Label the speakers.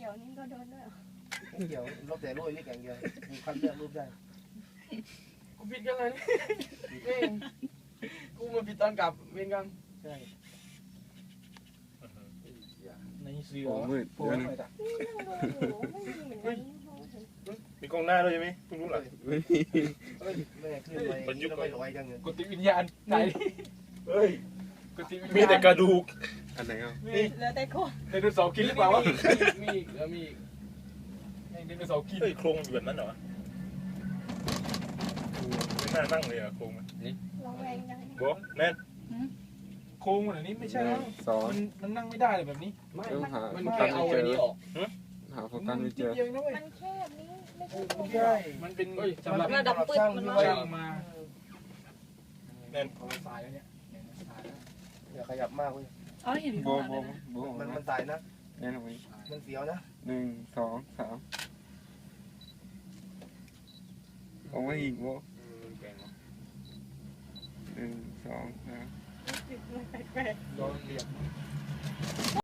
Speaker 1: กี่ยวนี่ก็โดนด้วย
Speaker 2: เกี่ยวรอบแต่โรยนี่แกงเดียวกูคัดเลือกรูปได้
Speaker 3: กูผิดกันเลยเองกูมาผิดตอนกลับเวรกรรม
Speaker 2: ใช่
Speaker 3: ในเสือ
Speaker 4: โอ้มืด
Speaker 3: โผล่
Speaker 4: เดี๋ยว
Speaker 3: ห
Speaker 4: นะ
Speaker 3: น่อยจ้ะ
Speaker 1: นี่นั่งดูอยู่ไม่มีเหมือนกัน
Speaker 5: มีกล้องหน้าด้วยใช่ไหมเพิ่งรู้เหรอ
Speaker 4: ไม่มี
Speaker 2: เฮ้ยแม่ขึ้นไปแล้วไม่ลอยจังเลย
Speaker 3: กดติดวิญญาณไหน
Speaker 5: เฮ้ย
Speaker 3: กดติดวิญ
Speaker 5: มี
Speaker 3: ญาณ
Speaker 5: แต่กระดูก
Speaker 4: อันไหนครับ
Speaker 3: มี
Speaker 1: เหลือแต่โคตร
Speaker 3: ไดโนเสาร์กินหรือเปล่าวะมีอีกแล้วมีอีกไดโนเสาร์กิน
Speaker 5: เฮ้ยโครงมันอยู่แบบนั้นเหรอไม่น่านั่งเลยอะโครงมัน
Speaker 1: ระแวงจัง
Speaker 5: โบแน่น
Speaker 3: โค้งแบบนี้ไม่ใช่แล้ว
Speaker 4: สอง
Speaker 3: มันนั่งไม่ได้เลยแบบนี้
Speaker 2: ไม่
Speaker 4: เริ่มหา
Speaker 3: มัน
Speaker 4: โฟ
Speaker 3: แค่
Speaker 4: กัส
Speaker 3: เอา
Speaker 4: ไม่เจ
Speaker 3: ไอ้
Speaker 4: อ
Speaker 3: นี้ออก
Speaker 4: หาโฟกัสไม่เจอ
Speaker 3: นิดดียวนะเว้ย
Speaker 1: มันแค่นี้ไม่ใช่โคตร
Speaker 2: ใช่
Speaker 3: มันเป็น
Speaker 2: สำหรับ
Speaker 1: ระดับปึ๊ดมันมา
Speaker 3: ช่างมา
Speaker 5: แน่น
Speaker 3: เอาสายแล้วเนี่ยสายแล้ว
Speaker 2: อย่าขยับมากเว้ย
Speaker 1: อ๋อเห็น
Speaker 4: โบโบโบ
Speaker 2: มันตายนะ
Speaker 4: แน่นอน
Speaker 2: มันเสียวนะ
Speaker 4: 1 2 3เอาไว้อีกโบ
Speaker 3: แกง
Speaker 4: 1 2 3
Speaker 1: แปลก
Speaker 3: โดนเหลี่ยม